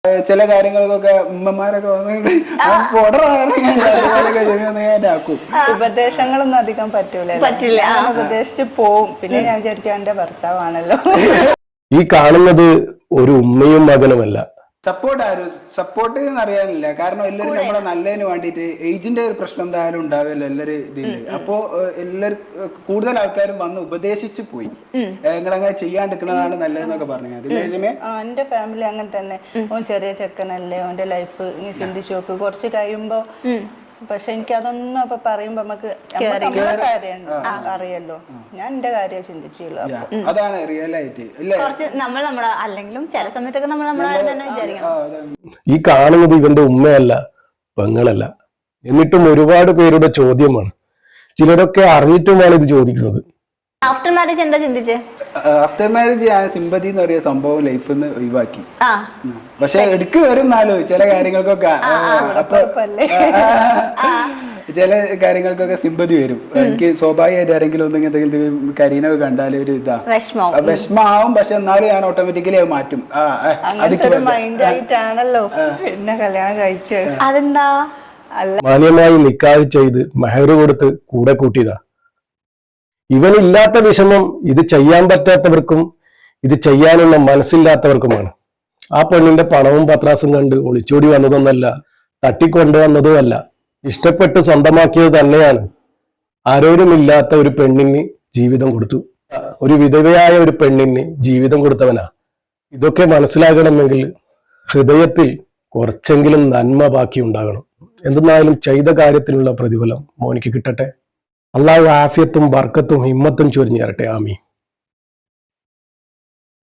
ചില കാര്യങ്ങൾക്കൊക്കെ ഉമ്മമാരൊക്കെ ഉപദേശങ്ങളൊന്നും അധികം പറ്റില്ല ഉപദേശിച്ച് പോവും. പിന്നെ ഞാൻ വിചാരിക്കും എന്റെ ഭർത്താവാണല്ലോ. ഈ കാണുന്നത് ഒരു ഉമ്മയും മകനുമല്ല. സപ്പോർട്ട് അറിയാനില്ല. കാരണം എല്ലാവരും നമ്മളെ നല്ലതിന് വേണ്ടിയിട്ട് ഏജിന്റെ ഒരു പ്രശ്നം എന്തായാലും ഉണ്ടാവില്ല എല്ലാവരും ഇതില്. അപ്പോ എല്ലാവരും കൂടുതൽ ആൾക്കാരും വന്ന് ഉപദേശിച്ചു പോയി, നിങ്ങളങ്ങനെ ചെയ്യാണ്ടിരിക്കുന്നതാണ് നല്ലതെന്നൊക്കെ പറഞ്ഞു. എന്റെ ഫാമിലി അങ്ങനെ തന്നെ. ഓൻ ചെറിയ ചെക്കനല്ലേ, ഓന്റെ ലൈഫ് ഇനി ചിന്തിച്ചു നോക്ക് കുറച്ച് കഴിയുമ്പോ. പക്ഷെ എനിക്ക് അതൊന്നും അപ്പൊ പറയുമ്പോ നമുക്ക് അറിയല്ലോ. ഞാൻ എന്റെ കാര്യം ചിന്തിച്ചുള്ളൂ. അതാണ് റിയൽ ആയിട്ട് അല്ലെങ്കിലും ചില സമയത്തൊക്കെ നമ്മൾ നമ്മളെ തന്നെ വിചാരിക്കണം. ഈ കാണുന്നത് ഇവന്റെ ഉമ്മയല്ല, പെങ്ങളല്ല. എന്നിട്ടും ഒരുപാട് പേരുടെ ചോദ്യമാണ്. ചിലരൊക്കെ അറിഞ്ഞിട്ടുമാണ് ഇത് ചോദിക്കുന്നത്. ആഫ്റ്റർ മാരേജ് എന്താ ചിന്തിച്ചേ? ആഫ്റ്റർ മാരേജ് ഞാൻ സിമ്പതി എന്ന് പറയുന്ന സംഭവം ലൈഫിൽ നിന്ന് ഒഴിവാക്കി. പക്ഷെ എടുക്ക് വരുന്നാലോ ചില കാര്യങ്ങൾക്കൊക്കെ ചില കാര്യങ്ങൾക്കൊക്കെ സിമ്പതി വരും. എനിക്ക് സ്വാഭാവികമായിട്ട് ആരെങ്കിലും ഒന്നും എന്തെങ്കിലും കരീനൊക്കെ കണ്ടാൽ ഒരു ഇതാ വിഷമാവും. പക്ഷെ എന്നാലും ഞാൻ ഓട്ടോമാറ്റിക്കലി അത് മാറ്റും. മൈൻഡായിട്ടാണല്ലോ എന്നെ കല്യാണം കഴിച്ചത്. അതെന്താ? മാന്യമായി നിക്കാഹ് ചെയ്ത് മെഹർ കൊടുത്ത് കൂടെ കൂട്ടിയതാ. ഇവനില്ലാത്ത വിഷമം ഇത് ചെയ്യാൻ പറ്റാത്തവർക്കും ഇത് ചെയ്യാനുള്ള മനസ്സില്ലാത്തവർക്കുമാണ്. ആ പെണ്ണിന്റെ പണവും പത്രാസും കണ്ട് ഒളിച്ചോടി വന്നതൊന്നല്ല, തട്ടിക്കൊണ്ടുവന്നതുമല്ല, ഇഷ്ടപ്പെട്ട് സ്വന്തമാക്കിയത് തന്നെയാണ്. ആരോരുമില്ലാത്ത ഒരു പെണ്ണിന് ജീവിതം കൊടുത്തു. ഒരു വിധവയായ ഒരു പെണ്ണിന് ജീവിതം കൊടുത്തവനാ. ഇതൊക്കെ മനസ്സിലാകണമെങ്കിൽ ഹൃദയത്തിൽ കുറച്ചെങ്കിലും നന്മ ബാക്കി ഉണ്ടാകണം. എന്തെന്നായാലും ചെയ്ത കാര്യത്തിനുള്ള പ്രതിഫലം മോനിക്ക് കിട്ടട്ടെ. അള്ളാഹു ആഫിയത്തും ബർക്കത്തും ഹിമ്മത്തും ചൊരിഞ്ഞു തരട്ടെ. ആമീൻ.